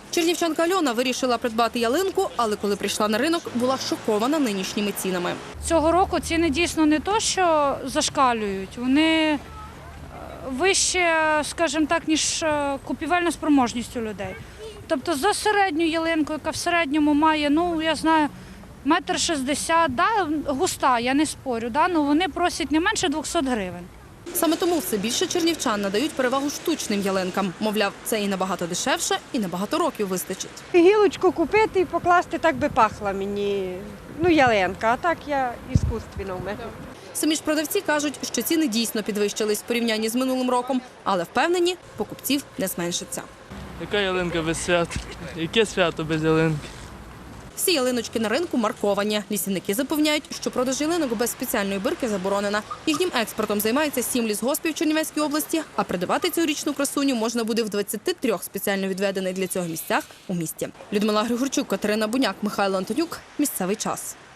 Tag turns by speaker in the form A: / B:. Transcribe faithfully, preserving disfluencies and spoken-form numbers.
A: Чернівчанка Альона вирішила придбати ялинку, але коли прийшла на ринок, була шокована нинішніми цінами.
B: Цього року ціни дійсно не то, що зашкалюють, вони вище, скажімо так, ніж купівельна спроможність у людей. Тобто за середню ялинку, яка в середньому має, ну, я знаю, метр шістдесят, да, густа, я не спорю, да, ну, вони просять не менше двохсот гривень.
A: Саме тому все більше чернівчан надають перевагу штучним ялинкам. Мовляв, це і набагато дешевше, і на багато років вистачить.
C: Гілочку купити і покласти, так би пахла мені, ну, ялинка, а так я іскусственно в мене.
A: Самі ж продавці кажуть, що ціни дійсно підвищились в порівнянні з минулим роком, але впевнені, покупців не зменшиться.
D: Яка ялинка без свят? Яке свято без ялинки?
A: Всі ялиночки на ринку марковані. Лісівники запевняють, що продаж ялинок без спеціальної бирки заборонена. Їхнім експортом займається сім лісгоспів Чернівецької області, а придбати цьогорічну красуню можна буде в двадцяти трьох спеціально відведених для цього місцях у місті. Людмила Григорчук, Катерина Буняк, Михайло Антонюк. Місцевий час.